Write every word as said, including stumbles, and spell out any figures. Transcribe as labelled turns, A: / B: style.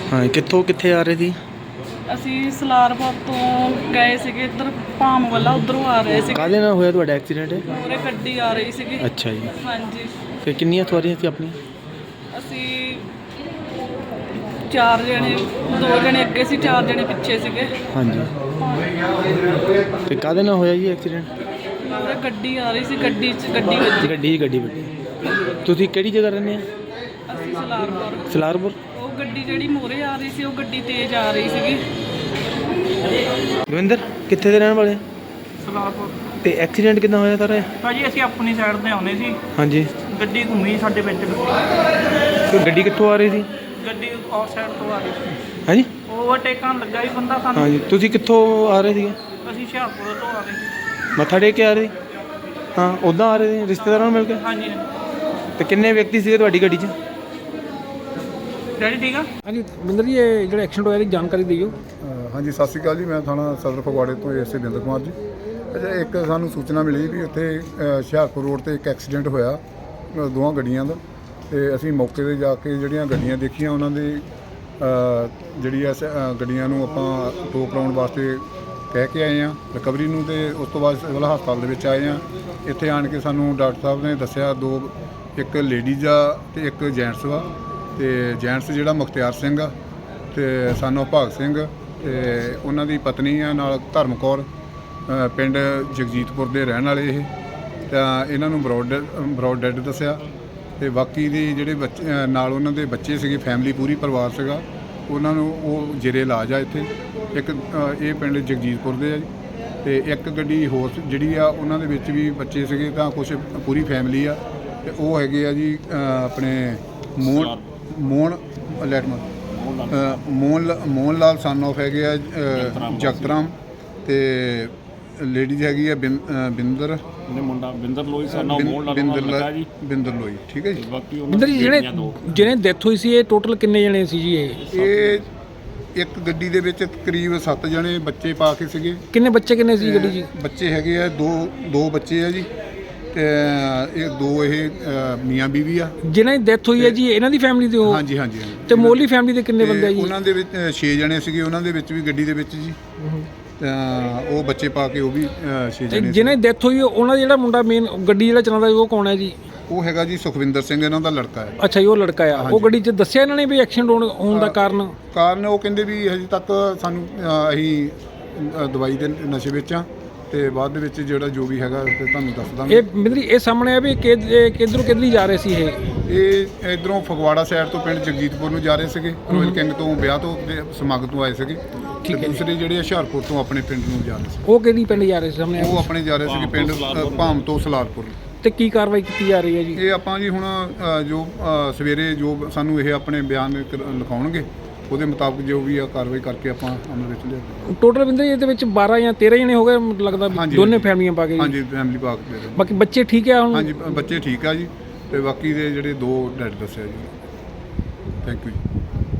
A: ਹਾਂ ਕਿੱਥੋਂ ਕਿੱਥੇ ਆ ਰਹੇ ਸੀ?
B: ਅਸੀਂ ਸਲਾਰਪੁਰ ਤੋਂ ਗਏ ਸੀਗੇ ਇੱਧਰ ਭਾਮ ਵਾਲਾ, ਉਧਰੋਂ ਆ ਰਹੇ ਸੀ।
A: ਕਾਹਦੇ ਨਾਲ ਹੋਇਆ ਤੁਹਾਡਾ ਐਕਸੀਡੈਂਟ?
B: ਪੂਰੇ ਗੱਡੀ ਆ ਰਹੀ ਸੀਗੀ।
A: ਅੱਛਾ ਜੀ।
B: ਹਾਂਜੀ।
A: ਤੇ ਕਿੰਨੀਆਂ ਸਵਾਰੀਆਂ ਸੀ ਆਪਣੀਆਂ?
B: ਅਸੀਂ ਚਾਰ ਜਣੇ, ਦੋ ਜਣੇ ਅੱਗੇ ਸੀ, ਚਾਰ ਜਣੇ ਪਿੱਛੇ ਸੀਗੇ।
A: ਹਾਂਜੀ। ਤੇ ਕਾਹਦੇ ਨਾਲ ਹੋਇਆ ਜੀ ਐਕਸੀਡੈਂਟ?
B: ਪੂਰੇ ਗੱਡੀ ਆ ਰਹੀ ਸੀ, ਗੱਡੀ 'ਚ ਗੱਡੀ ਵੱਜੀ।
A: ਗੱਡੀ ਗੱਡੀ ਵੱਡੀ। ਤੁਸੀਂ ਕਿਹੜੀ ਜਗ੍ਹਾ ਰਹਿੰਦੇ ਆ?
B: ਅਸੀਂ ਸਲਾਰਪੁਰ।
A: ਸਲਾਰਪੁਰ।
B: ਉਹ ਗੱਡੀ ਜਿਹੜੀ ਮੋਰੇ ਆ ਰਹੀ ਸੀ, ਉਹ ਗੱਡੀ ਤੇਜ਼ ਆ ਰਹੀ ਸੀਗੀ।
A: ਦਵਿੰਦਰ ਕਿੱਥੇ ਦੇ ਰਹਿਣ ਵਾਲੇ?
C: ਸਲਾਰਪੁਰ।
A: ਤੇ ਐਕਸੀਡੈਂਟ ਕਿੱਦਾਂ ਹੋਇਆ ਸਾਰਾ?
C: ਭਾਜੀ ਅਸੀਂ ਆਪਣੀ ਸਾਈਡ ਤੇ ਆਉਂਦੇ ਸੀ।
A: ਹਾਂਜੀ।
C: ਗੱਡੀ ਘੁੰਮੀ ਸਾਡੇ ਵਿੱਚ।
A: ਤੇ ਗੱਡੀ ਕਿੱਥੋਂ ਆ ਰਹੀ ਸੀ?
C: ਗੱਡੀ ਆਫ ਸਾਈਡ ਤੋਂ ਆ ਰਹੀ ਸੀ।
A: ਹਾਂਜੀ।
C: ਓਵਰਟੇਕਣ ਲੱਗਾ ਸੀ ਬੰਦਾ ਸਾਨੂੰ।
A: ਹਾਂਜੀ। ਤੁਸੀਂ ਕਿੱਥੋਂ ਆ ਰਹੇ ਸੀਗੇ?
C: ਅਸੀਂ ਹੁਸ਼ਿਆਰਪੁਰ ਤੋਂ ਆ ਰਹੇ ਸੀ।
A: ਮੱਥਾ ਟੇਕ ਕੇ ਆ ਰਹੇ ਸੀ? ਹਾਂ ਉੱਦਾਂ ਆ ਰਹੇ ਸੀ ਰਿਸ਼ਤੇਦਾਰਾਂ ਨੂੰ ਮਿਲ ਕੇ?
C: ਹਾਂਜੀ।
A: ਤੇ ਕਿੰਨੇ ਵਿਅਕਤੀ ਸੀਗੇ ਤੁਹਾਡੀ ਗੱਡੀ 'ਚ?
C: ਡੈਡੀ ਠੀਕ ਆ?
D: ਹਾਂਜੀ ਬਿੰਦਰ ਜੀ, ਇਹ ਜਿਹੜਾ ਐਕਸੀਡੈਂਟ ਹੋਇਆ ਇਹਦੀ ਜਾਣਕਾਰੀ ਦਿਓ।
E: ਹਾਂਜੀ ਸਤਿ ਸ਼੍ਰੀ ਅਕਾਲ ਜੀ। ਮੈਂ ਥਾਣਾ ਸਦਰ ਫਗਵਾੜੇ ਤੋਂ ਐਸਏ ਬਿੰਦਰ ਕੁਮਾਰ ਜੀ। ਅੱਛਾ, ਇੱਕ ਸਾਨੂੰ ਸੂਚਨਾ ਮਿਲੀ ਵੀ ਉੱਥੇ ਹੁਸ਼ਿਆਰਪੁਰ ਰੋਡ ਤੇ ਇੱਕ ਐਕਸੀਡੈਂਟ ਹੋਇਆ ਅ, ਦੋਵਾਂ ਗੱਡੀਆਂ ਦਾ। ਤੇ ਅਸੀਂ ਮੌਕੇ 'ਤੇ ਜਾ ਕੇ ਜਿਹੜੀਆਂ ਗੱਡੀਆਂ ਦੇਖੀਆਂ ਉਹਨਾਂ ਦੀ ਜਿਹੜੀ ਐ ਗੱਡੀਆਂ ਨੂੰ ਆਪਾਂ ਟੋ ਕਰਾਉਣ ਵਾਸਤੇ ਕਹਿ ਕੇ ਆਏ ਹਾਂ ਰਿਕਵਰੀ ਨੂੰ, ਤੇ ਉਸ ਤੋਂ ਬਾਅਦ ਸਿਵਲ ਹਸਪਤਾਲ ਦੇ ਵਿੱਚ ਆਏ ਹਾਂ। ਇੱਥੇ ਆਣ ਕੇ ਸਾਨੂੰ ਡਾਕਟਰ ਸਾਹਿਬ ਨੇ ਦੱਸਿਆ ਦੋ, ਇੱਕ ਲੇਡੀਜ਼ ਆ ਤੇ ਇੱਕ ਜੈਂਟਸ ਵਾ। ਤੇ ਜੈਂਟਸ ਜਿਹੜਾ ਮੁਖਤਿਆਰ ਸਿੰਘ ਆ ਤੇ ਸਾਨੂੰ ਭਾਗ ਸਿੰਘ ਤੇ ਉਹਨਾਂ ਦੀ ਪਤਨੀ ਆ, ਨਾਲ ਧਰਮ ਕੌਰ, ਪਿੰਡ ਜਗਜੀਤਪੁਰ ਦੇ ਰਹਿਣ ਵਾਲੇ ਇਹ। ਤਾਂ ਇਹਨਾਂ ਨੂੰ ਬਰੋਡ ਬਰੋਡ ਡੈਡ ਦੱਸਿਆ। ਤੇ ਬਾਕੀ ਦੇ ਜਿਹੜੇ ਬੱਚੇ ਨਾਲ ਉਹਨਾਂ ਦੇ ਬੱਚੇ ਸੀਗੇ, ਫੈਮਿਲੀ ਪੂਰੀ ਪਰਿਵਾਰ ਸੀਗਾ, ਉਹਨਾਂ ਨੂੰ ਉਹ ਜੇਰੇ ਇਲਾਜ ਆ ਇੱਥੇ। ਇੱਕ ਇਹ ਪਿੰਡ ਜਗਜੀਤਪੁਰ ਦੇ ਆ ਜੀ। ਤੇ ਇੱਕ ਗੱਡੀ ਹੋਰ ਜਿਹੜੀ ਆ ਉਹਨਾਂ ਦੇ ਵਿੱਚ ਵੀ ਬੱਚੇ ਸੀਗੇ, ਤਾਂ ਕੁਛ ਪੂਰੀ ਫੈਮਿਲੀ ਆ। ਤੇ ਉਹ ਹੈਗੇ ਆ ਜੀ ਆਪਣੇ ਮੋਹਨ ਮੋਹਨ ਲੈਟਮਨ ਮੋਹਨ ਮੋਹਨ ਲਾਲ ਸਨ ਆਫ ਹੈਗੇ ਆ ਜਗਤਰਾਮ। ਤੇ ਲੇਡੀਜ਼ ਹੈਗੀ ਆ ਬਿੰਦਰ
F: ਮੁੰਡਾ ਬਿੰਦਰ ਲੋਈ ਸਨ ਆਫ ਮੋਹਨ ਲਾਲ ਲੱਗਾ ਜੀ।
E: ਬਿੰਦਰ ਲੋਈ, ਠੀਕ ਹੈ ਜੀ।
F: ਬਾਕੀ
D: ਬਿੰਦਰ ਜੀ, ਜਿਹੜੇ ਜਿਹਨੇ ਡੈਥ ਹੋਈ ਸੀ ਇਹ ਟੋਟਲ ਕਿੰਨੇ ਜਣੇ ਸੀ ਜੀ? ਇਹ
E: ਇਹ ਇੱਕ ਗੱਡੀ ਦੇ ਵਿੱਚ ਤਕਰੀਬ ਸੱਤ ਜਣੇ ਬੱਚੇ ਪਾ ਕੇ ਸੀਗੇ।
D: ਕਿੰਨੇ ਬੱਚੇ ਕਿੰਨੇ ਸੀ ਗੱਡੀ ਜੀ?
E: ਬੱਚੇ ਹੈਗੇ ਆ ਦੋ ਦੋ ਬੱਚੇ ਆ ਜੀ। ਤੇ ਇਹ ਦੋ ਇਹ ਮੀਆਂ ਬੀਵੀ ਆ
D: ਜਿਹਨਾਂ ਦੀ ਡੈਥ ਹੋਈ ਹੈ ਜੀ, ਇਹਨਾਂ ਦੀ ਫੈਮਿਲੀ ਦੇ? ਉਹ
E: ਹਾਂਜੀ ਹਾਂਜੀ ਹਾਂਜੀ।
D: ਤੇ ਮੋਲੀ ਫੈਮਿਲੀ ਦੇ ਕਿੰਨੇ ਬੰਦੇ ਆ ਜੀ?
E: ਉਹਨਾਂ ਦੇ ਵਿੱਚ ਛੇ ਜਣੇ ਸੀਗੇ, ਉਹਨਾਂ ਦੇ ਵਿੱਚ ਵੀ ਗੱਡੀ ਦੇ ਵਿੱਚ ਜੀ। ਤਾਂ ਉਹ ਬੱਚੇ ਪਾ ਕੇ ਉਹ ਵੀ ਛੇ ਜਣੇ।
D: ਜਿਹਨਾਂ ਦੀ ਡੈਥ ਹੋਈ ਉਹਨਾਂ ਦਾ ਜਿਹੜਾ ਮੁੰਡਾ ਮੇਨ ਗੱਡੀ ਜਿਹੜਾ ਚਲਾਉਂਦਾ ਉਹ ਕੌਣ ਹੈ ਜੀ?
E: ਉਹ ਹੈਗਾ ਜੀ ਸੁਖਵਿੰਦਰ ਸਿੰਘ, ਇਹਨਾਂ ਦਾ ਲੜਕਾ ਹੈ।
D: ਅੱਛਾ ਜੀ, ਉਹ ਲੜਕਾ ਆ। ਉਹ ਗੱਡੀ 'ਚ ਦੱਸਿਆ ਇਹਨਾਂ ਨੇ ਵੀ ਐਕਸੀਡੈਂਟ ਹੋਣ ਹੋਣ ਦਾ ਕਾਰਨ?
E: ਕਾਰਨ ਉਹ ਕਹਿੰਦੇ ਵੀ ਹਜੇ ਤੱਕ ਸਾਨੂੰ ਅਸੀਂ ਦਵਾਈ ਦੇ ਨਸ਼ੇ ਵਿੱਚ ਆ, ਤੇ ਬਾਅਦ ਦੇ ਵਿੱਚ ਜਿਹੜਾ ਜੋ ਵੀ ਹੈਗਾ ਤੇ ਤੁਹਾਨੂੰ ਦੱਸ ਦਾਂਗੇ।
D: ਇਹ ਬਿੰਦਰ ਇਹ ਸਾਹਮਣੇ ਆ ਵੀ ਕਿੱਧਰੋਂ ਕਿੱਧਰ ਜਾ ਰਹੇ ਸੀ ਇਹ?
E: ਇਹ ਇਧਰੋਂ ਫਗਵਾੜਾ ਸਾਈਡ ਤੋਂ ਪਿੰਡ ਜਗਜੀਤਪੁਰ ਨੂੰ ਜਾ ਰਹੇ ਸੀਗੇ, ਰੋਇਲ ਕਿੰਗ ਤੋਂ ਵਿਆਹ ਤੋਂ ਸਮਾਗਮ ਤੋਂ ਆਏ ਸੀਗੇ। ਤੇ ਦੂਸਰੇ ਜਿਹੜੇ ਹੁਸ਼ਿਆਰਪੁਰ ਤੋਂ ਆਪਣੇ ਪਿੰਡ ਨੂੰ ਜਾ ਰਹੇ ਸੀ।
D: ਉਹ ਕਿਹੜੀ ਪਿੰਡ ਜਾ ਰਹੇ ਸੀ ਸਾਹਮਣੇ?
E: ਉਹ ਆਪਣੇ ਜਾ ਰਹੇ ਸੀਗੇ ਪਿੰਡ ਭਾਮ ਤੋਂ ਸਲਾਰਪੁਰ।
D: ਤੇ ਕੀ ਕਾਰਵਾਈ ਕੀਤੀ ਜਾ ਰਹੀ ਹੈ ਜੀ?
E: ਇਹ ਆਪਾਂ ਜੀ ਹੁਣ ਜੋ ਸਵੇਰੇ ਜੋ ਸਾਨੂੰ ਇਹ ਆਪਣੇ ਬਿਆਨ ਲਿਖਾਉਣਗੇ, ਉਹਦੇ ਮੁਤਾਬਕ ਜੋ ਵੀ ਆ ਕਾਰਵਾਈ ਕਰਕੇ ਆਪਾਂ ਅਮਲ ਵਿੱਚ ਲਿਆਵਾਂਗੇ।
D: ਟੋਟਲ ਬਿੰਦਰ ਇਹਦੇ ਵਿੱਚ ਬਾਰਾਂ ਜਾਂ ਤੇਰਾਂ ਜਣੇ ਹੋ ਗਏ ਲੱਗਦਾ, ਦੋਨੇ ਫੈਮਲੀਆਂ ਪਾ ਕੇ?
E: ਹਾਂਜੀ, ਫੈਮਿਲੀ ਪਾ ਕੇ।
D: ਬਾਕੀ ਬੱਚੇ ਠੀਕ ਆ ਹੁਣ?
E: ਹਾਂਜੀ ਬੱਚੇ ਠੀਕ ਆ ਜੀ। ਤੇ ਬਾਕੀ ਦੇ ਜਿਹੜੇ ਦੋ ਡੈਡ ਦੱਸਿਆ ਜੀ। ਥੈਂਕ ਯੂ ਜੀ।